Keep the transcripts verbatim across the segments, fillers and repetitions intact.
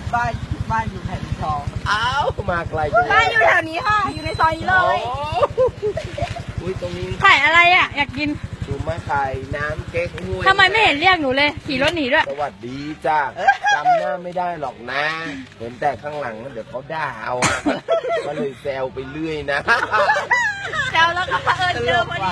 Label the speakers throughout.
Speaker 1: บ้านบ้านอยู่แผ่นทอง
Speaker 2: อ้าวมาไกลจังเลย
Speaker 3: บ้านอยู่แถวนี้ค่ะ อยู่ในซอยนี้เลย
Speaker 2: โอ้อุ้ยตรงนี้
Speaker 3: ขายอะไรอ่ะ อยากกิน
Speaker 2: ดูมาขายน้ำเก๊กฮวย
Speaker 3: ทำไมไม่เห็นเรียกหนูเลย ขี่รถหนีด้วย
Speaker 2: สวัสดีจ้าจำหน้าไม่ได้หรอกนะ เห็นแต่ข้างหลังเดี๋ยวเขาด่าเอาอะก็เลยแซวไปเรื่อยนะ
Speaker 3: แซวแล้วก็เผอิญเจอพอดี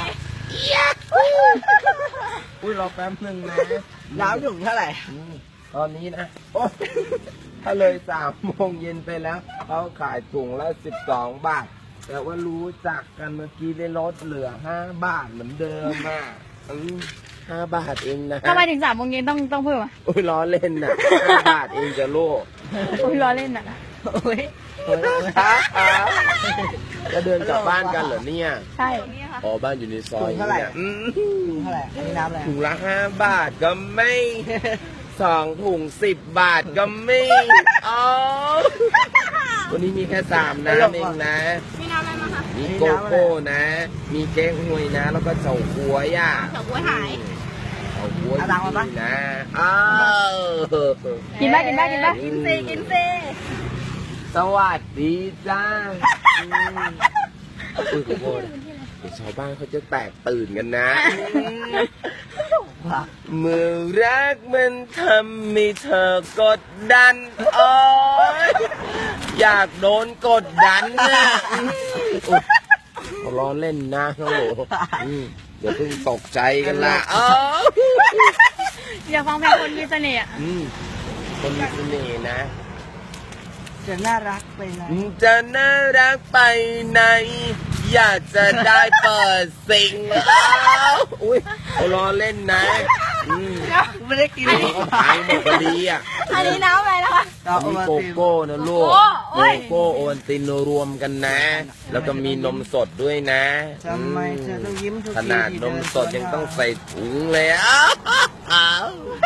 Speaker 2: อุ้ยรอแป๊บหนึ่งนะ
Speaker 1: น้ำถุงเท่าไหร่
Speaker 2: อืมตอนนี้นะโอ๊ยถ้าเลยสามโมงเย็นไปแล้วเขาขายถุงละสิบสองบาท แต่ว่ารู้จักกันเมื่อกี้ได้ลดเหลือห้าบาทเหมือนเดิมอ่ะอืมห้าบาทเองนะ
Speaker 3: ทำไมถึงสามโมงเย็นต้องต้องเพิ่มอ่ะ
Speaker 2: อุ้ยล้อเล่นน่ะห้าบาทเองจะโลก
Speaker 3: โอ้ยล้อเล่นอ่ะ
Speaker 1: โอ้ย
Speaker 2: จะเดินกลับบ้านกันเหรอเนี่ย
Speaker 3: ใช่
Speaker 2: อ๋อบ้านอยู่ในซอยนี้เนี่ยอืม
Speaker 1: ถุงเท่าไหร่อันนี้น้ำอะไร
Speaker 2: ถุงละห้าบาทก็ไม่สองถุงสิบบาทก็ไม่อ๋อวันนี้มีแค่สามน้ำเองนะ
Speaker 3: มีน้ำอะไรมาคะ
Speaker 2: มีโกโก้นะ มีเก๊กฮวยนะ แล้วก็เฉาก๊วยอ่ะ
Speaker 3: เฉาก๊วยหาย
Speaker 2: เฉาก๊วยดีนะอ้าว
Speaker 3: กินได้กินได้กินได้
Speaker 2: กินสิกินสิ สวัสดีจ้าอืมอุ้ยขอโทษเดี๋ยวชาวบ้านเขาจะแตกตื่นกันนะเมื่อรักมันทำให้เธอกดดันโอ้ยอยากโดนกดดันนะอุ๊ยเขาล้อเล่นนะน้องโหลอืมเดี๋ยวเพิ่งตกใจกันละเออ
Speaker 3: อยากฟังเพลงคนมีเสน่ห์อะ
Speaker 2: อืมคนมีเสน่ห์นะ
Speaker 1: จะน่ารักไปเลย
Speaker 2: จะน่ารักไปไหน อยากจะได้เปิดสิ่งแล้วอุ้ยเขาล้อเล่นนะอืม
Speaker 1: ไม่ได้กิน
Speaker 2: เขาก็ขายหมดพอดีอ่ะ
Speaker 3: อันนี้น้ำอะไรนะคะ
Speaker 1: ต่อ
Speaker 2: อัน
Speaker 1: โอ
Speaker 2: นี้
Speaker 1: มา
Speaker 2: โก
Speaker 1: ติม
Speaker 2: โก้นะลูก
Speaker 3: โอ้โอ้
Speaker 2: โก
Speaker 3: ย
Speaker 2: โก้โอวัลตินรวมกันนะ แล้วก็มีนมสดด้วยนะ
Speaker 1: ทำไมเธอต้องยิ้มทุก
Speaker 2: ข
Speaker 1: ที
Speaker 2: นาด
Speaker 1: ที่
Speaker 2: น
Speaker 1: เดิ
Speaker 2: ม
Speaker 1: น
Speaker 2: สดยังต้องใส่ถุงเลยอ้าวอ้าว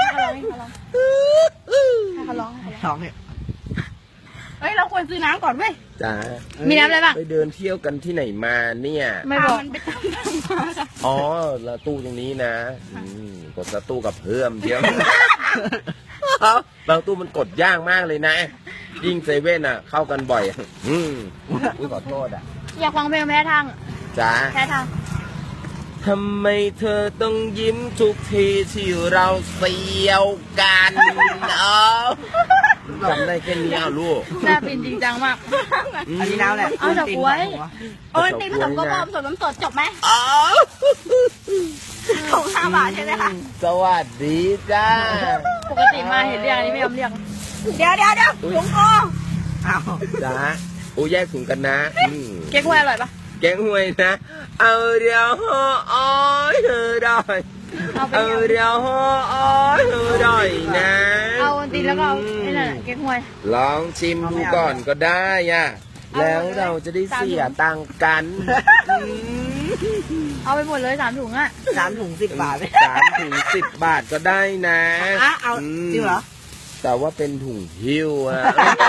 Speaker 3: ให้เขาร้องให้เขาร้อง
Speaker 1: สองเนี่ย
Speaker 3: เฮ้ย เราควรซื้อน้ำก่อนเว้ย
Speaker 2: จ้า
Speaker 3: มีน้ำอะไรบ้าง
Speaker 2: ไปเดินเที่ยวกันที่ไหนมาเนี่ย
Speaker 3: ไม่บอก
Speaker 2: อ๋อแล้วตู้ตรงนี้นะอืมกดแล้วตู้กับเพิ่มเดียว บางตู้มันกดยากมากเลยนะ ยิ่งเซเว่นอ่ะ เข้ากันบ่อย อืมอุ้ยขอโทษอ่ะ
Speaker 3: อยากฟังเพลงแพ้ทางอะ
Speaker 2: จ้า
Speaker 3: แพ้ทาง
Speaker 2: ทำไมเธอต้องยิ้มทุกทีที่เราเสียวกันเอ้าจำได้แค่นี้อ่ะลูก
Speaker 3: หน้าปินจริงจังมาก
Speaker 1: อันนี้น้ำแหละ
Speaker 3: เอาดอกบ๊วย
Speaker 1: หัว
Speaker 3: โอ้ยตีผสมกระบอกผสมน้ำสดจบไหม
Speaker 2: อ๋อ
Speaker 3: ถุงห้าบาทใช่ไหมคะ
Speaker 2: สวัสดีจ้า
Speaker 3: ปกติมาเห็นเรียกอันนี้ไม่ยอมเรียก
Speaker 1: เดี๋ยวเดี๋ยวเดี๋ยวถุงโกอ้าว
Speaker 2: จ้าโอ้แยกถุงกันนะอืม
Speaker 3: เก๊กฮวยอร่อยปะ
Speaker 2: แกงหวยนะ เอาเดียวห่ออ้อยเธอได้
Speaker 3: เอาไป
Speaker 2: เอา
Speaker 3: ยัง
Speaker 2: เดียวห่ออ้อยเธอได้นะ
Speaker 3: เอาตีแล้วก็เอาไอ้นั่นน่ะเก๊กฮวย
Speaker 2: ลองชิมดูก่อนก็ได้อ่ะ
Speaker 3: เอา
Speaker 2: แล้วเราจะได้เสียตังค์กันอืม
Speaker 3: เอาไปหมดเลยสามถุงอ่ะ
Speaker 1: สามถุงสิบบาท
Speaker 2: สามถุงสิบบาทก็ได้นะ
Speaker 1: อ่ะเอา
Speaker 2: ม
Speaker 1: จริงเหรอ
Speaker 2: แต่ว่าเป็นถุงหิ้วอะ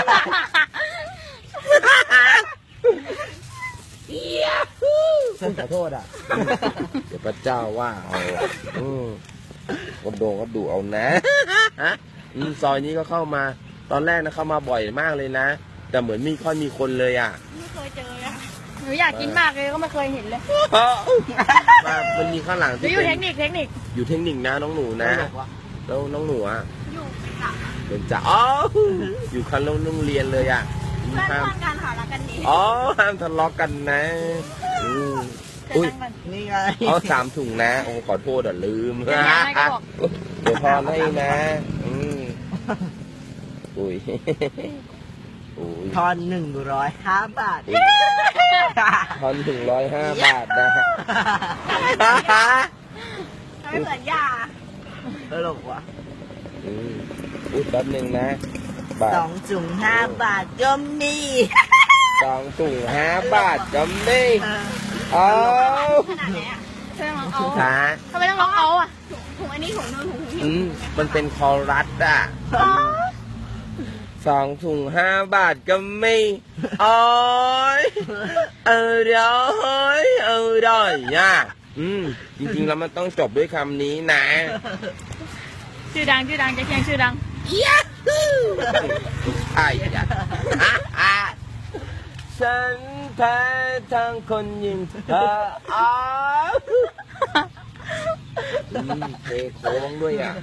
Speaker 2: ขอโทษอ่ะ เดี๋ยวพระเจ้าว่าเอาอืมก็โดนก็ดูเอานะฮะอืมซอยนี้ก็เข้ามา ตอนแรกนะเข้ามาบ่อยมากเลยนะ แต่เหมือนไม่ค่อยมีคนเลยอ่ะ
Speaker 3: ไม่เคยเจออะหนูอยากกินมากเลยก็ไม่เคยเห็นเลย
Speaker 2: มามันมีข้างหลัง
Speaker 3: หนู
Speaker 2: ที่
Speaker 3: อยู่
Speaker 2: เป็น
Speaker 3: เทคนิคเทคนิค
Speaker 2: อยู่เทคนิคนะน้องหนูนะ
Speaker 1: ตลกวะ
Speaker 2: แล้วน้องหนูอ่ะ
Speaker 3: อยู่เป็นหลัก
Speaker 2: เป็นจ่าอ๋ออยู่คันโรงเรียนเลยอ่ะ
Speaker 3: เพื่อน
Speaker 2: ห้าม
Speaker 3: เพื่อนกันหารักกันดี
Speaker 2: อ๋อห้ามทะเลาะกันนะอืม
Speaker 3: เพื่อน
Speaker 2: อุ้ย
Speaker 3: นั่งกัน
Speaker 1: นี่ไง
Speaker 2: อ๋อสามถุงนะโอ้ขอโทษอ่ะลืม
Speaker 3: เดี๋ยวให้ก็บอก
Speaker 2: เดี๋ยวพอให้นะอืมอุ้ยอุ้ย
Speaker 1: ทอนหนึ่งร้อยห้าบาท
Speaker 2: ทอนถึงร้อยห้าบาทนะ
Speaker 3: ไม่เหมือนยา
Speaker 1: ตลกว่ะ
Speaker 2: อืมอุ้ยแป๊บหนึ่งนะบาท
Speaker 1: สองถุงห้าบาทก็มี
Speaker 2: สองถุงห้าบาทก็ไม่
Speaker 1: เออ
Speaker 2: เอา
Speaker 3: ขนาดไหนอ่ะใช่ไหมเอา
Speaker 2: ค่ะ
Speaker 3: ทำไมต้องร้องเอาอ่ะถุงอันนี้ถุงนึงถุงนี้
Speaker 2: อืมมันเป็นคอรัสอ่ะสองถุงห้าบาทก็ไม่โอ้ยเออเดี๋ยวเฮ้ยเออได้ย่ะอืมจริงๆแล้วมันต้องจบด้วยคำนี้นะ
Speaker 3: ชื่อดังชื่อดังจะเคียงชื่อดัง
Speaker 2: ยาฮูใครอ่ะฉันแพ้ทั้งคนยิงเธออ้าวอืมเทโค้งด้วยอ่ะ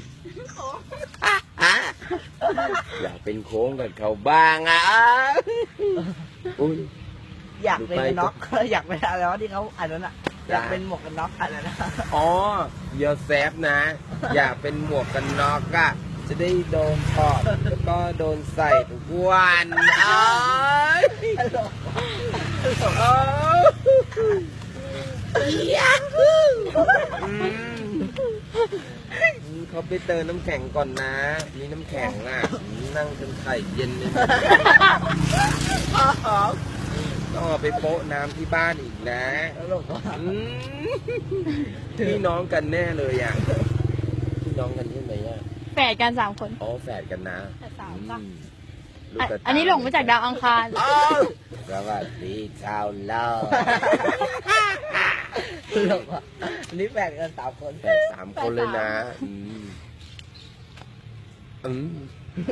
Speaker 2: อยากเป็นโค้งกับเขาบ้างอ่ะอุ้ย
Speaker 1: อยากเป็นน็อก อยากเป็นอะไรวะที่เขาอันนั้นอ่ะอยากเป็นหมวกกันน็อกอันนั้นนะ
Speaker 2: อ๋อเยอแซฟนะ อยากเป็นหมวกกันน็อกอะจะได้โดนถอดแล้วก็โดนใส่ทุกวันอ้ายอ้าวอืมเขาไปเติมน้ำแข็งก่อนนะมีน้ำแข็งอ่ะนั่งจนไข่เย็นเลยต้องเอาไปโปะน้ำที่บ้านอีกนะ
Speaker 1: ตลกว่ะ
Speaker 2: อืมพี่น้องกันแน่เลยอ่ะพี่น้องกันใช่ไหมอ่ะ
Speaker 3: แฝดกันสามคน
Speaker 2: อ๋อแฝดกันนะ
Speaker 3: แฝดสามป่ะ
Speaker 2: อืมลูก
Speaker 3: อ่ะ
Speaker 2: กระต
Speaker 3: อันนี้หลงมาจากดาวอังคาร
Speaker 2: อ้าวสวัสดีชาวโลก
Speaker 1: ตลกว่ะอันนี้แบ่งกันสามคน
Speaker 2: แฝดสามคนเลยนะอืมอืม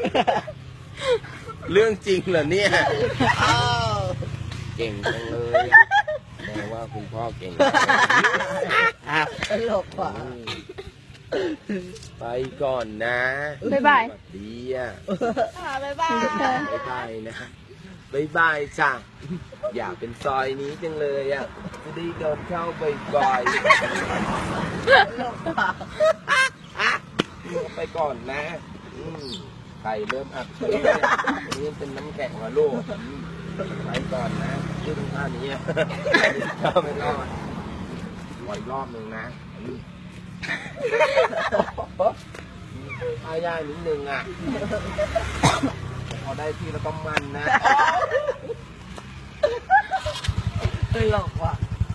Speaker 2: เรื่องจริงเหรอเนี่ย
Speaker 1: อ้าว
Speaker 2: เก่งจังเลยแปลว่าคุณพ่อเก่งมาก
Speaker 1: ตลกว่ะ
Speaker 2: อืมไปก่อนนะ
Speaker 3: บ๊ายบาย
Speaker 2: สวัสดีอ่ะ
Speaker 3: บ๊ายบาย
Speaker 2: บายบายนะบายบายจ้ะอยากเป็นซอยนี้จังเลยอ่ะจะได้เดินเข้าบ่อยๆ
Speaker 1: ตลกว่ะ
Speaker 2: ไปก่อนนะอืมไข่เริ่มอักเสบนี่เป็นน้ำแข็งเหรอลูกอืมไปก่อนนะยืดท่านี้อะเข้าไปก่อนรออีกรอบหนึ่งนะอืมท่ายากนิดนึงอ่ะพอได้ที่แล้วก็มันนะ
Speaker 1: ตลกว่ะ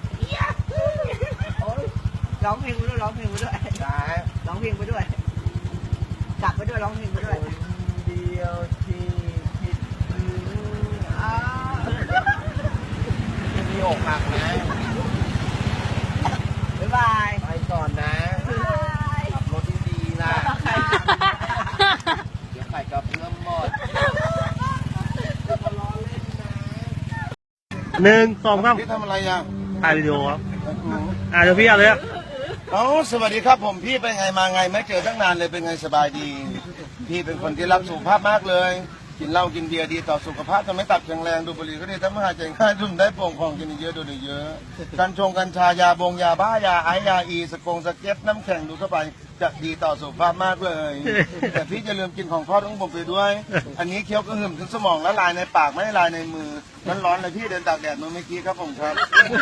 Speaker 1: โอ๊ยร้องเพลงไปด้วยร้องเพลงไปด้วย
Speaker 2: จ้า
Speaker 1: ร้องเพลงไปด้วยกลับไปด้วยร้องเพลงไปด้วย
Speaker 2: คนเดียวที่คิดถึง
Speaker 1: อ้าว
Speaker 2: ยังมีอกหักนะ
Speaker 1: บ๊ายบาย
Speaker 2: ไปก่อนนะขับรถดีๆนะเดี๋ยวไข่กับเพื่อนหมด
Speaker 4: หนึ่งสองสาม
Speaker 5: พี่ทำอะไรอ่ะ
Speaker 4: ถ่ายวิดีโอครับอ่าเดี๋ยวพี่เอาเลยอะ
Speaker 5: เอ้าสวัสดีครับผมพี่เป็นไงมาไงไม่เจอตั้งนานเลยเป็นไงสบายดี พี่เป็นคนที่รักสุขภาพมากเลย กินเหล้ากินเบียร์ดีต่อสุขภาพทำให้ตับแข็งแรงดูบุหรี่ก็ดีทำให้หายใจง่ายดื่มได้โปร่งพองกินเยอะดูเยอะกัญชงกัญชายาบงยาบ้ายาไอยาอีสกงสเก็ตน้ำแข็งดูเข้าไปจะดีต่อสุขภาพมากเลย แต่พี่จะลืมกินของทอดของผมไปด้วย อันนี้เคี้ยวกระหึ่มถึงสมองละลายในปากไม่ละลายในมือมันร้อนเลยพี่เดินตากแดดมาเมื่อกี้ครับผมครับ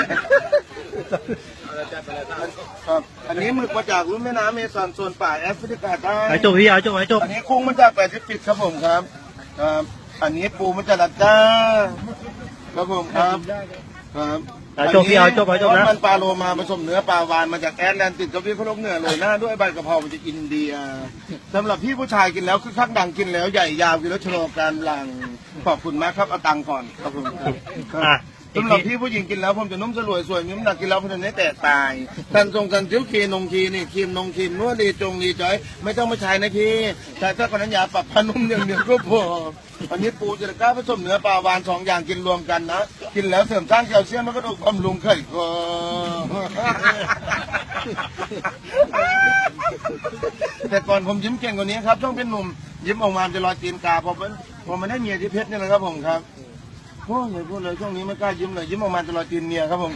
Speaker 5: ครับ อันนี้หมึกมาจากรุ่มแม่น้ำเมซอนโซนป่าแอฟริกาใต้
Speaker 4: ไอ้จบพี่เอาจบไอ้จบ
Speaker 5: อันนี้กุ้งมาจากแปซิฟิกครับผมครับครับ อันนี้ปูมาจากลัดก้าครับผมครับครับ
Speaker 4: ไอ้จบพี่เอาจบไอ้จบนะ
Speaker 5: มันปลาโลมาผสมเนื้อปลาวานมาจากแอตแลนติกกับพี่เขาลกเหนือเลยหน้าด้วยใบกะเพรามาจากอินเดียสำหรับพี่ผู้ชายกินแล้วคือข้างดังกินแล้วใหญ่ยาวกินแล้วชะลอการหลังขอบคุณมากครับเอาตังค์ก่อนครับผมครับ
Speaker 4: อ่ะ
Speaker 5: สำหรับพี่ผู้หญิงกินแล้วผมจะนุ่มสลวยสวยมีน้ำหนักกินแล้วผมจะไม่แตกตายทันทรงกันเจียวครีนงครีนี่ครีมนงครีมนวดดีจงดีจอยไม่ต้องมาใช้นะพี่แต่ถ้าคนนั้นยาปรับผ้านุ่มอย่างเดียวก็พออันนี้ปูจะกล้าผสมเนื้อปลาวานสองอย่างกินรวมกันนะกินแล้วเสริมสร้างแคลเซียมแล้วก็ดูบำรุงไข่คอแต่ก่อนผมยิ้มเก่งกว่านี้ครับช่วงเป็นหนุ่มยิ้มออกมาจะลอยตีนกาพอเป็นพอมันได้เมียที่เพชรนี่แหละครับผมครับพูดเลยพูดเลยช่วงนี้ไม่กล้ายิ้มเลยยิ้มออกมาจะลอยตีนเมียครับผม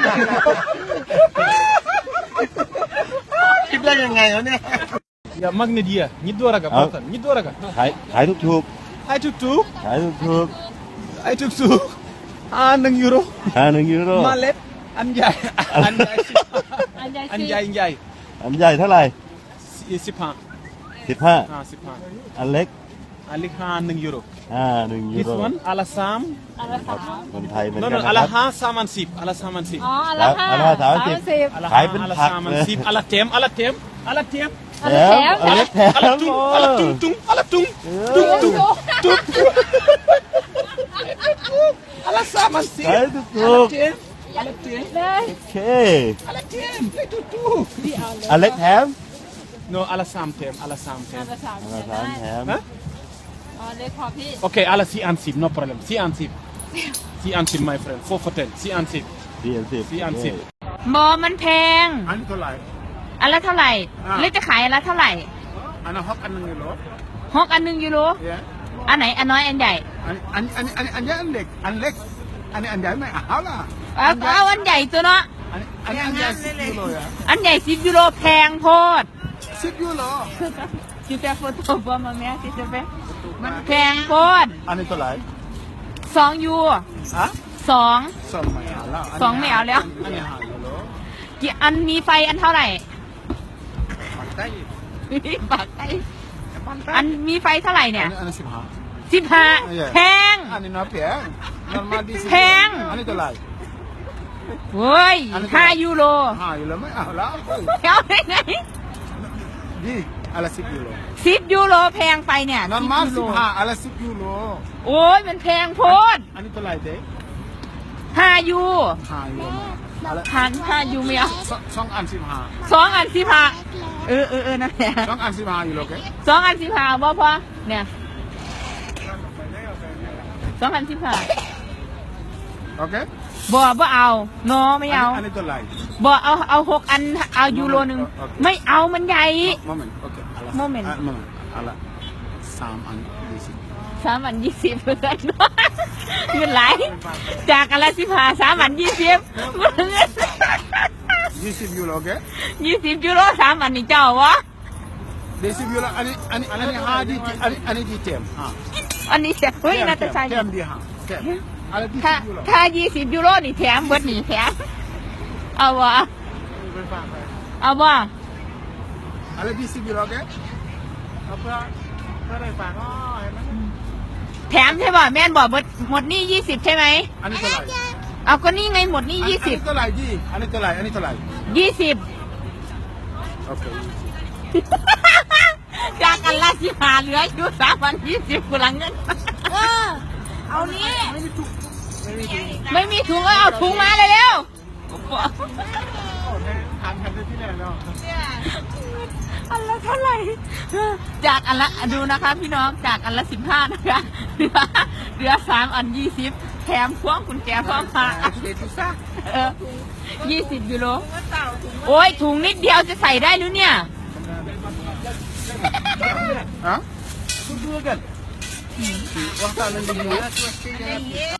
Speaker 5: คิดได้ยังไงวะเนี่ย
Speaker 6: Ya magna dia, ni dua raga, Pak. Ni dua raga.
Speaker 4: ขายขายถูก
Speaker 6: Hai tuk tuk,
Speaker 4: ๆขายถูก
Speaker 6: hai tuk tuk. Ah, nang euro.
Speaker 4: ๆอ่าหนึ่งยูโร
Speaker 6: Malep, anjay, anjay,
Speaker 3: อันใหญ่สิ
Speaker 6: anjay, anjay.
Speaker 4: อันใหญ่เท่าไหร่
Speaker 6: Sipan,
Speaker 4: สิบห้า
Speaker 6: ah sipan.
Speaker 4: อันเล็ก
Speaker 6: Alik ha nang euro.
Speaker 4: อ่าหนึ่งยู
Speaker 6: This
Speaker 4: โร
Speaker 6: one alasam.
Speaker 3: อันละสาม
Speaker 4: คนไทยเหมือน
Speaker 6: No
Speaker 4: กัน
Speaker 6: no,
Speaker 4: นะครับ
Speaker 6: alaha saman sip, ala saman sip.
Speaker 3: อ๋ออันละห้า
Speaker 4: อันละสามสิบ
Speaker 3: สิบ
Speaker 6: Alaha,
Speaker 4: Khai bên
Speaker 6: ala
Speaker 4: phạt
Speaker 6: saman
Speaker 4: nè.
Speaker 6: sip, ala tem, ala tem, ala tem.
Speaker 3: อันละแถม
Speaker 4: อันเล็กแถม
Speaker 6: Ala tung, ala tung tung, ala tung.
Speaker 3: ดู
Speaker 6: Tung
Speaker 3: ดู
Speaker 6: tung. Ala saman
Speaker 4: ขาย
Speaker 6: sip.
Speaker 4: ถูก
Speaker 6: Tem, ala tem,
Speaker 3: เลย
Speaker 4: ๆโอเค
Speaker 6: ala tem. Hai tuk tuk.
Speaker 4: อันเล็กแถม
Speaker 6: No, ala sam tem, ala sam
Speaker 3: อัน
Speaker 6: tem.
Speaker 3: ละสาม
Speaker 4: อันละสามแถม
Speaker 6: Hah?
Speaker 3: อ๋อเล็กพอพี่
Speaker 6: Okay, ala si ansip, no problem. Si ansip. Si ansip, my friend. Four for ten. Si ansip.
Speaker 4: สี่อันสิบ
Speaker 6: Si ansip.
Speaker 3: บอมันแพง
Speaker 6: อันนี้เท่าไหร่
Speaker 3: อันละเท่าไหร่
Speaker 6: อ่า
Speaker 3: เล็กจะขายอันละเท่าไหร่
Speaker 6: อันนั้นฮอกอันหนึงอยู่เหรอ
Speaker 3: หกอันหนึ่งยูโร
Speaker 6: เนี่ย
Speaker 3: อันไหนอันน้อยอันใหญ่
Speaker 6: อันอันอันอันอันใหญ่อันเล็กอันเล็กอันนี้อันใหญ่ไม่เอาล่ะ
Speaker 3: เอาเอาอันใหญ่ตัวเนาะ
Speaker 6: อันอันนี้อันใหญ่สิบยูโรอ่ะ
Speaker 3: อันใหญ่สิบยูโรแพงโพด
Speaker 6: สิบยูโร
Speaker 3: จิแต่โฟโต้บอมาแม่จิจะไปมันแพงโพด
Speaker 6: อันนี้เท่าไหร่
Speaker 3: สองยู
Speaker 6: ฮะ
Speaker 3: สอง
Speaker 6: สองไม่เอาแล้ว
Speaker 3: สองไม่เอาแล้ว
Speaker 6: อันนี้ห้ายูโร
Speaker 3: กี่อันมีไฟอันเท่าไหร่
Speaker 6: ปักใต้
Speaker 3: ปากไออันมีไฟเท่าไหร่เนี่ย
Speaker 6: อันนี้สิบห้า
Speaker 3: สิบห้า
Speaker 6: อันใหญ่
Speaker 3: แพง
Speaker 6: อันนี้น้อยแพง normal ดีสิ
Speaker 3: แพง
Speaker 6: อันนี้เท่าไหร่
Speaker 3: เฮ้ย
Speaker 6: อันนี้
Speaker 3: ห้ายูโร
Speaker 6: ห้ายูโรไม่เอาแล้ว
Speaker 3: เอาได้ไง
Speaker 6: ดีอะไรสิบยูโร
Speaker 3: สิบยูโรแพงไปเนี่ย
Speaker 6: normal
Speaker 3: 10
Speaker 6: สิบห้าอะไรสิบยูโร
Speaker 3: โอ้ยมันแพงโพด
Speaker 6: อันนี้เท่าไหร่เด็ก
Speaker 3: ห้ายู
Speaker 6: ห้ายูโรอะไร
Speaker 3: หันห้ายูไม่เอา
Speaker 6: สองสองอันสิบห้า
Speaker 3: สองอันสิบห้าเออเออเออนั่นแหละ
Speaker 6: สองอันสิบห้ายูโรโอเค
Speaker 3: สองอันสิบห้าบ่พอเนี่ยสองอันสิบห้า
Speaker 6: โอเค
Speaker 3: บ่บ่เอาโนไม่เอา
Speaker 6: อันนี้เท่าไหร่
Speaker 3: บ่เอาเอาหกอันเอายูโรหนึ่ง
Speaker 6: โอเค
Speaker 3: ไม่เอามันใหญ่
Speaker 6: โมเมนต์โอเคอะไร
Speaker 3: Moment
Speaker 6: อ่ะ moment อะไรสามอันยี่สิบ
Speaker 3: สามอันยี่สิบเพื่อนเงินไหลจากอันละสิบห้าสามอันยี่สิบ
Speaker 6: ยี่สิบยูโรโอเค
Speaker 3: ยี่สิบยูโรสามอันนี่เจ้าวะ
Speaker 6: ยี่สิบยูโรอันนี้อันนี้อันนี้ห้าดีอันนี้อันนี้ดีเต็มห้า
Speaker 3: อันนี้เสียเฮ้ยนาตาชา
Speaker 6: เต็มดีห้าเต็มอะไรดี
Speaker 3: ถ้า
Speaker 6: สิบยูโร
Speaker 3: ถ้ายี่สิบยูโรนี่แถมเบิดนี่แถมเอาวะ
Speaker 6: ไปฝากไป
Speaker 3: เอาวะ
Speaker 6: อะไรดีสิบยูโรโอเคเอาเพื่อเพื่อได้ฝากอ๋อเห็นไหม
Speaker 3: แถมใช่ป่ะแม่นบอกเบิดหมดนี่ยี่สิบใช่ไหม
Speaker 6: อันนี้เท่าไหร่
Speaker 3: เอาก็นี่ไงหมดนี่ยี่สิบ
Speaker 6: อันนี้เท่าไหร่ดีอันนี้เท่าไหร่อันนี้เท่าไหร่
Speaker 3: ยี่สิบ
Speaker 6: โอเค
Speaker 3: จากอันละสิบห้าเหลืออยู่สามอันยี่สิบกูหลังเงินเออเอานี้
Speaker 6: ไม่มีทุกไม่มีทุก
Speaker 3: ไม่มีถุงก็เอาถุงมาเลยเร็ว
Speaker 6: โอ้แทนทานกันได้ที่แรกแล้ว
Speaker 3: อันละเท่าไหร่จากอันละดูนะคะพี่น้องจากอันละสิบห้านะคะเหลือเหลือสามอันยี่สิบแถมพวงกุญแจพร้อมพา
Speaker 6: เด็ดทุกซ่า
Speaker 3: เออยี่สิบยูโรโอ้ยถุงนิดเดียวจะใส่ได้หรือเนี่ย
Speaker 6: ฮะคุณดูกันว่าตาเล่นดี